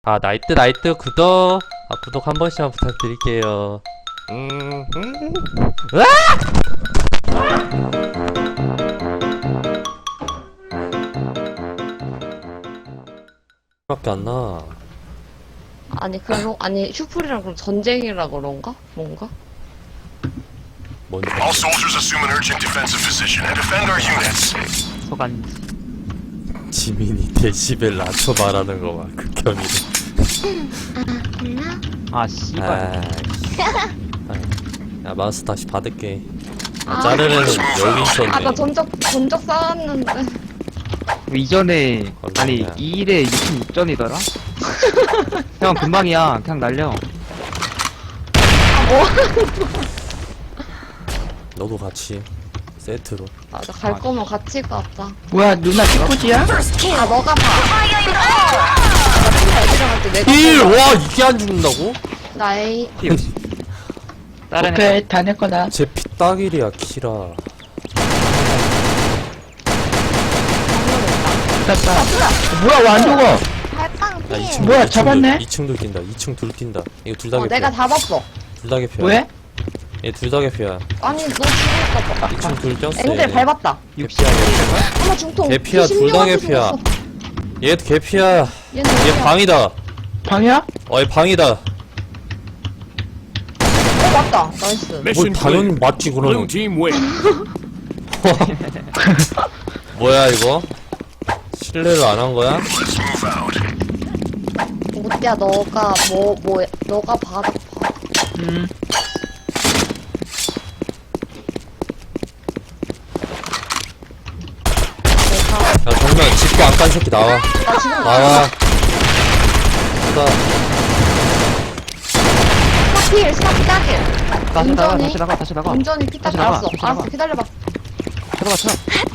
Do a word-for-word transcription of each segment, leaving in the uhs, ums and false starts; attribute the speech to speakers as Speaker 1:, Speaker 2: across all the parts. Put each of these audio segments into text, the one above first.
Speaker 1: 아 나이트 나이트 구독 아 구독 한 번씩만 부탁드릴게요. 음, 음. 으아! 밖에 안 나.
Speaker 2: 아니 그럼 아니 슈플이랑 그럼 전쟁이라 그런가? 뭔가?
Speaker 1: 뭔지.
Speaker 3: All soldiers assume an urgent defensive position and defend our units.
Speaker 4: 소간
Speaker 1: 지민이 데시벨 낮춰 말하는 거 봐. 극혐이네.
Speaker 4: 아 씨발
Speaker 1: 아, 야 마우스 다시 받을게. 아,
Speaker 2: 아.
Speaker 1: 자르는 여기 있었네.
Speaker 2: 아 나 전적 전적 쌓았는데.
Speaker 4: 이전에 아니
Speaker 1: 얼마냐.
Speaker 4: 이 일에 이십육 전이더라? 형 금방이야 그냥 날려.
Speaker 1: 너도 같이 세트로.
Speaker 2: 맞아 갈 거면 같이 가자.
Speaker 5: 뭐야 누나 티코지야?
Speaker 2: 아 너가 봐. 나 들어갈 때 내가
Speaker 1: 일!
Speaker 2: 봐.
Speaker 1: 와 이게 안 죽는다고?
Speaker 2: 나의
Speaker 4: 다른 애
Speaker 5: 오케이 다 내 거다.
Speaker 1: 제 피딱일이야 키라.
Speaker 5: 됐다. 뭐야 왜 안 죽어?
Speaker 2: 팔빵
Speaker 1: 야, 이 층,
Speaker 5: 뭐야,
Speaker 1: 이 층도-
Speaker 5: 잡았네?
Speaker 1: 이 층도 뛴다. 이 층 둘 뛴다. 이거 둘 다
Speaker 2: 어
Speaker 1: 개피야.
Speaker 2: 내가 잡았어.
Speaker 1: 둘 다 개피야.
Speaker 5: 왜?
Speaker 1: 얘 둘 다 개피야.
Speaker 2: 아니 너 죽을까 봐.
Speaker 1: 이 층 둘 뛰었어.
Speaker 2: 앵글
Speaker 1: 얘.
Speaker 2: 밟았다.
Speaker 4: 육십
Speaker 2: 하나 중통.
Speaker 1: 개피야, 둘 다 개피야. 얘 개피야.
Speaker 2: 얘는
Speaker 1: 얘
Speaker 2: 어디야?
Speaker 1: 방이다.
Speaker 5: 방이야?
Speaker 1: 어, 얘 방이다.
Speaker 2: 어 맞다. 나이스.
Speaker 1: 뭐 당연히 맞지 그러면.
Speaker 3: team win.
Speaker 1: 뭐야 이거? 신뢰를 안 한 거야?
Speaker 3: Let's move out.
Speaker 2: 오띠야 너가 뭐 뭐 너가 바닥 봐.
Speaker 5: 음.
Speaker 1: 야 정면 짚고 안 깐 새끼 나와.
Speaker 2: 나 지금
Speaker 1: 나와. 나
Speaker 2: 스타필 스타필 따길.
Speaker 4: 다시 나가
Speaker 2: 운전이-
Speaker 4: 다시 나가 다시 나가
Speaker 2: 운전이 피딱
Speaker 4: 다시 나가,
Speaker 2: 알았어.
Speaker 4: 다시
Speaker 2: 알았어
Speaker 4: 나가.
Speaker 2: 기다려봐.
Speaker 4: 들어가 들어가.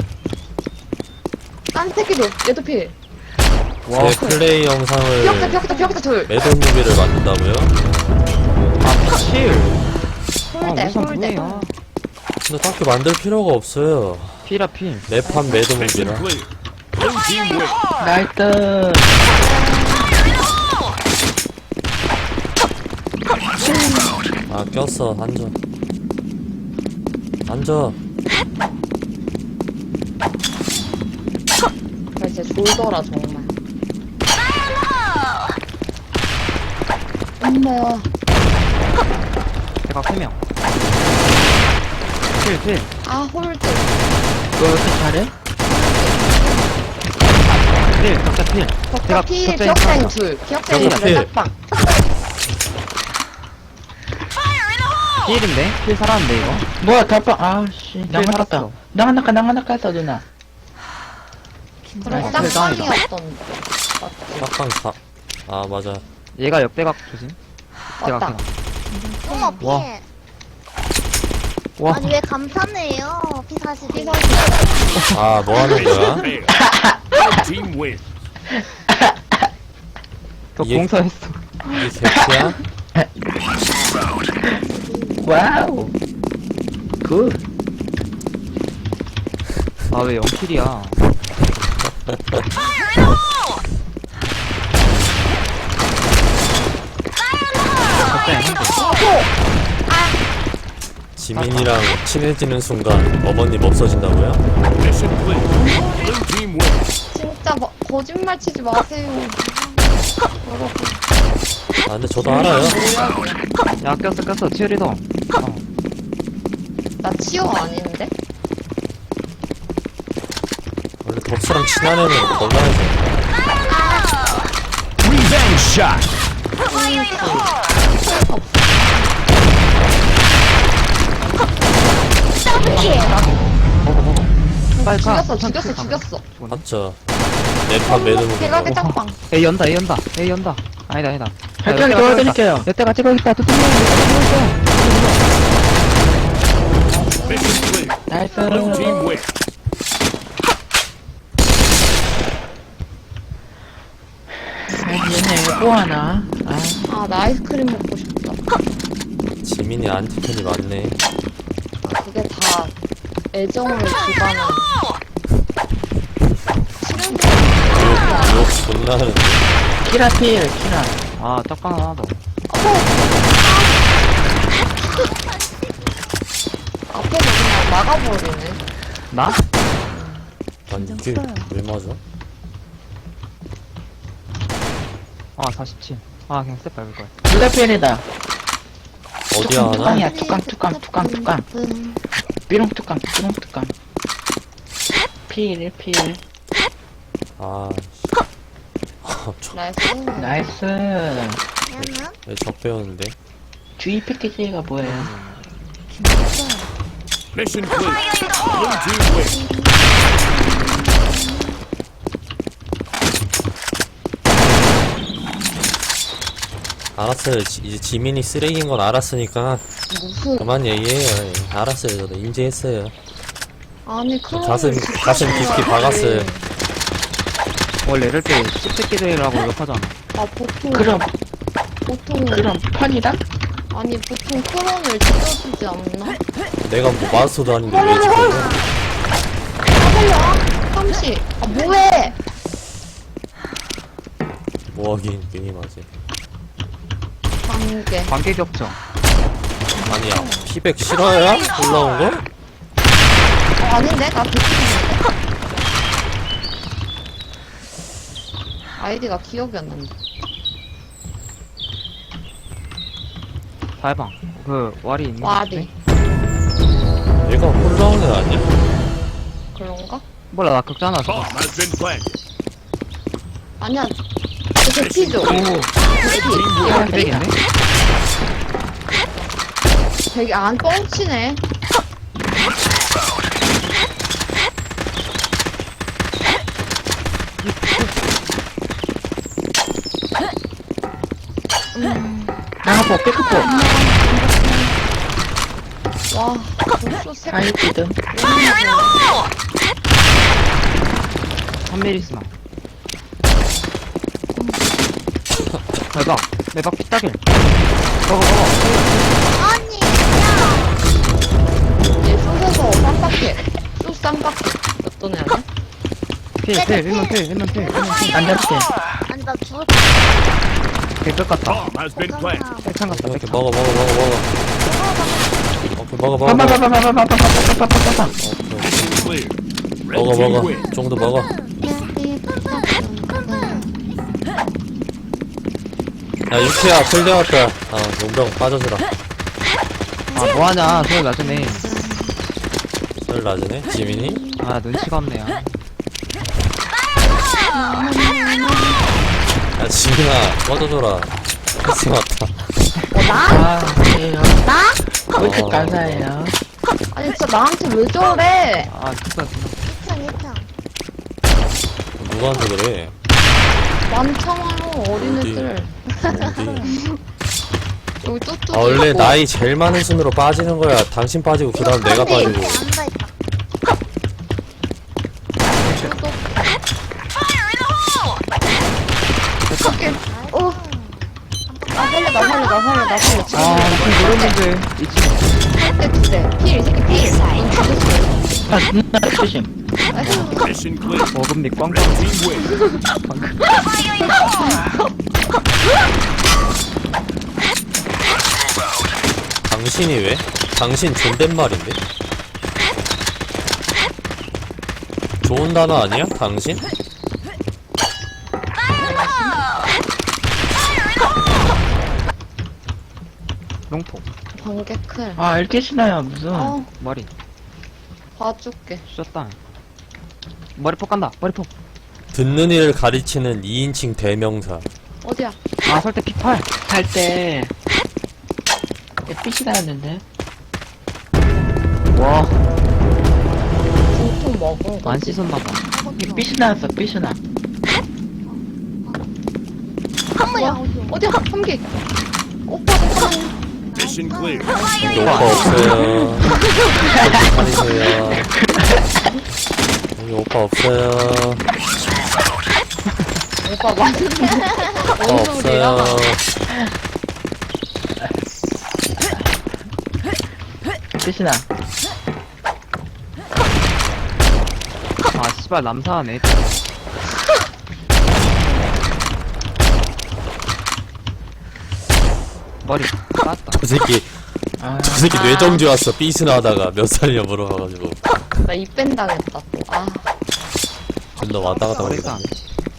Speaker 2: 딴 새끼도 얘도 필.
Speaker 1: 제 플레이 영상을
Speaker 2: 비었다 비었다 비었다 둘.
Speaker 1: 매듭 무비를 만든다고요?
Speaker 4: 아 칠. 아
Speaker 2: 홀대
Speaker 4: 우선
Speaker 2: 홀대.
Speaker 4: 뭐예요?
Speaker 1: 근데 딱히 만들 필요가 없어요.
Speaker 4: 피라 필.
Speaker 1: 매판 매듭 무비라.
Speaker 3: Blue team win.
Speaker 5: 나이스.
Speaker 1: 아 꼈어. 앉아. 앉아.
Speaker 2: 나 진짜 졸더라 정말. 엄마야.
Speaker 4: 대각 세 명. 필 필.
Speaker 2: 아 홀드.
Speaker 5: 너 이렇게 잘해?
Speaker 4: 필 격자 필.
Speaker 2: 격자
Speaker 4: 대각
Speaker 2: 필
Speaker 4: 격자
Speaker 2: 기억자인
Speaker 4: 있어.
Speaker 2: 둘. 기억자인
Speaker 1: 격자
Speaker 2: 둘
Speaker 1: 필.
Speaker 2: 짝방.
Speaker 4: 필인데 필 살았는데 이거.
Speaker 5: 뭐야 달빵 아씨 나
Speaker 4: 필
Speaker 5: 하나 깠다.
Speaker 4: 살았어.
Speaker 5: 나 하나 까나 하나 깠어 누나.
Speaker 2: 그럼
Speaker 4: 아,
Speaker 2: 짝방이었던.
Speaker 1: 짝방 사. 아 맞아.
Speaker 4: 얘가 역대각 조심. 대각
Speaker 2: 맞다.
Speaker 4: 대각.
Speaker 6: 어머
Speaker 4: 와.
Speaker 6: 피해.
Speaker 4: 와.
Speaker 6: 아니 왜 감탄해요? 피사시
Speaker 2: 피사.
Speaker 1: 아 뭐 하는 거야?
Speaker 3: Blue team win.
Speaker 4: 저
Speaker 1: 이게-
Speaker 4: 공사했어.
Speaker 1: 이게 개피야?
Speaker 3: Let's move out.
Speaker 5: 와우. 굿.
Speaker 4: 아 왜 영킬이야? 격자인 한 대.
Speaker 1: 지민이랑 친해지는 순간 어머님 없어진다고요?
Speaker 3: Mission clear. Blue team win.
Speaker 2: 진짜 뭐, 거짓말 치지 마세요.
Speaker 1: 아 근데 저도 알아요.
Speaker 4: 야 꼈어 꼈어 치어리더. 어.
Speaker 2: 나 치어 아닌데?
Speaker 1: 원래 덕수랑 친한 애는 건강해져.
Speaker 3: Revenge shot.
Speaker 4: 빨리 가.
Speaker 2: 죽였어 죽였어 죽였어.
Speaker 1: 맞죠? 매판 매듭
Speaker 2: 대각의
Speaker 1: 무비라고.
Speaker 2: 짝방.
Speaker 4: A 연다 A 연다 A 연다. 아니다 아니다.
Speaker 5: 발전기 도와드릴게요.
Speaker 4: 여태가 찍어야겠다. 또 찍어야겠다.
Speaker 3: Mission clear.
Speaker 5: 나이스.
Speaker 3: Blue team win.
Speaker 5: 아 얘네 또 하나. 아
Speaker 2: 아 나 아이스크림 먹고 싶다.
Speaker 1: 지민이 안티팬이 많네.
Speaker 2: 아, 그게 다 애정을 기반한. 싫은
Speaker 1: 욕 존나 하는데.
Speaker 5: 키라 필, 키라.
Speaker 4: 아, 딱방 하나 더.
Speaker 2: 앞에서 그냥 막아버리네.
Speaker 4: 나?
Speaker 1: 아니, 이게 왜 맞아?
Speaker 4: 아, 사십칠. 아, 그냥 셋 밟을 거야.
Speaker 5: 둘 다 필이다.
Speaker 1: 어디야 하나?
Speaker 5: 뚜껑이야, 뚜껑, 뚜껑, 뚜껑, 뚜껑. 삐롱 뚜껑, 삐롱 뚜껑. 필, 필.
Speaker 1: 아, 씨.
Speaker 2: 나이스.
Speaker 5: 나이스.
Speaker 6: 얘는?
Speaker 1: 왜적 배우는데?
Speaker 5: 주의 패키지가 뭐예요?
Speaker 3: Mission clear. Blue team wins.
Speaker 1: 알았어요. 지- 이제 지민이 쓰레기인 건 알았으니까
Speaker 2: 무슨,
Speaker 1: 그만 얘기해요. 예, 알았어요. 저도 인지했어요.
Speaker 2: 아니, 그럼.
Speaker 1: 가슴, 가슴 깊이 박았어요.
Speaker 4: 원래 이럴 때 씹새끼들이라고 욕하잖아.
Speaker 2: 아, 보통.
Speaker 5: 그럼,
Speaker 2: 보통.
Speaker 5: 그럼 펀이다?
Speaker 2: 아니, 보통 크론을 찢어주지 않나?
Speaker 1: 내가 뭐 마스터도 아닌데 왜 지금
Speaker 2: 아, 삼시. 아, 뭐해!
Speaker 1: 뭐하긴 게임하지.
Speaker 2: 관계.
Speaker 4: 관계 겹쳐.
Speaker 1: 아니야, 피백 실화야? 올라온 거?
Speaker 2: 어, 아닌데? 나 비키는데? 아이디가 기억이 안 난다.
Speaker 4: 달방. 그, 왈이 있는 거
Speaker 2: 와디.
Speaker 1: 얘가 올라온 애 아니야?
Speaker 2: 그런가?
Speaker 4: 몰라, 나 극자 하나 줘.
Speaker 3: Bomb has been planted.
Speaker 2: 아니야. 그 대피죠?
Speaker 5: 오,
Speaker 4: 아, 기백인데?
Speaker 2: 되게 안 뻥치네.
Speaker 5: 나가보, 백크포.
Speaker 2: 와, 벌써 세
Speaker 5: 아이티드.
Speaker 4: 삼미리스나. 대박. 대박 피따길.
Speaker 6: 아니, 야.
Speaker 2: 얘 숏에서 쌈박해. 숏 쌈박해. 어떤 애 아니야?
Speaker 4: 필, 필, 일면 필, 일면 필, 일면 필.
Speaker 5: 안 잡을게.
Speaker 6: 아니, 나 죽을
Speaker 4: 개끝 같다.
Speaker 3: Bomb has been planted.
Speaker 4: 백창 같다,
Speaker 1: 이렇게
Speaker 4: 백창.
Speaker 1: 먹어, 먹어, 먹어, 먹어. 오케이, 먹어, 먹어, 먹어.
Speaker 5: 빠바바바바바바바바바바바.
Speaker 3: Clear. Red
Speaker 1: 먹어,
Speaker 3: team
Speaker 1: 먹어.
Speaker 3: wins.
Speaker 1: 정도 먹어. 야, 유키야, 풀대 왔다. 아, 용병 빠져주라.
Speaker 4: 아, 뭐하냐. 소리 나중에.
Speaker 1: 설 낮으네? 지민이?
Speaker 4: 아, 눈치가 없네요.
Speaker 1: 야, 지민아, 꺼져줘라. 패스 왔다.
Speaker 5: 아, 그래요.
Speaker 2: 나?
Speaker 5: 왜 이렇게
Speaker 1: 어.
Speaker 5: 감사해요?
Speaker 2: 아니, 진짜 나한테 왜 저래?
Speaker 4: 아, 진짜, 진짜.
Speaker 6: 이평, 이평.
Speaker 1: 누구한테 그래?
Speaker 2: 많잖아요, 어린애들.
Speaker 1: 어디?
Speaker 2: 여기 뚜뚜.
Speaker 1: 아, 원래 나이 제일 많은 순으로 빠지는 거야. 당신 빠지고, 그 다음 내가 빠지고.
Speaker 6: 앉아있다.
Speaker 2: 어떡해. 어. 나 살려, 나 살려, 나 살려, 나 살려. 지금
Speaker 4: 아, 무슨 모르는데. 이 친구.
Speaker 2: 할때 두 대. 필, 이 새끼 필. 넌 죽었어.
Speaker 5: 아, 누나 조심.
Speaker 3: Mission clear.
Speaker 4: 어금 및 꽝꽝.
Speaker 3: Red team wins.
Speaker 1: 당신이 왜? 당신 존댓말인데? 좋은 단어 아니야? 당신?
Speaker 4: 롱포.
Speaker 2: 번개 클.
Speaker 5: 아, 이렇게 신나요, 무슨.
Speaker 2: 어,
Speaker 4: 머리.
Speaker 2: 봐줄게.
Speaker 4: 쏘다. 머리폭 간다. 머리폭.
Speaker 1: 듣는 이를 가리치는 이인칭 대명사.
Speaker 2: 어디야?
Speaker 4: 아, 설때 피팔.
Speaker 5: 살 때. 삐시 나왔는데.
Speaker 4: 와,
Speaker 2: 중통 먹은 거.
Speaker 4: 안 씻었나봐.
Speaker 5: 이게 삐시 나왔어, 삐시 나.
Speaker 2: 뭐야? 어디야? 삼기. 오빠, 오빠.
Speaker 3: Mission clear.
Speaker 1: 여기 오빠 없어요. 다니세요. 여기 오빠 없어요.
Speaker 2: 오빠 맞는
Speaker 1: 오빠
Speaker 2: 뭔 소리야?
Speaker 1: 없어요.
Speaker 5: 삐시 나.
Speaker 4: 아, 씨발, 남사하네. 머리 깠다.
Speaker 1: 저 새끼
Speaker 5: 아,
Speaker 1: 저 새끼
Speaker 2: 아.
Speaker 1: 뇌정지 왔어. 삐스나 하다가 몇 살이냐 물어봐가지고
Speaker 2: 나 입밴 당했다 또. 아,
Speaker 1: 존나 왔다 갔다
Speaker 4: 머리가.
Speaker 1: 거리거든.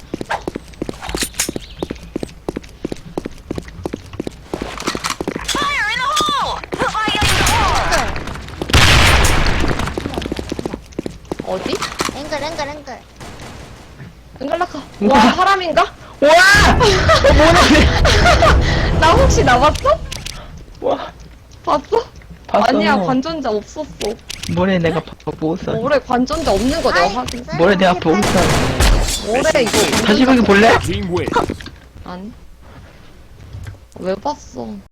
Speaker 2: 어디?
Speaker 6: 앵글 앵글 앵글.
Speaker 2: 은갈라카. 와, 사람인가?
Speaker 5: 와!
Speaker 2: 나 혹시 나봤어?
Speaker 5: 와,
Speaker 2: 봤어?
Speaker 5: 봤어.
Speaker 2: 아니야, 관전자 없었어.
Speaker 5: 뭐래, 내가 봐- 보고 있어.
Speaker 2: 올해 관전자 없는 거 내가 확인.
Speaker 5: 뭐래, 내가 보고 있어.
Speaker 2: 올해 이거
Speaker 5: 다시 보기 볼래?
Speaker 2: 아니. 왜 봤어?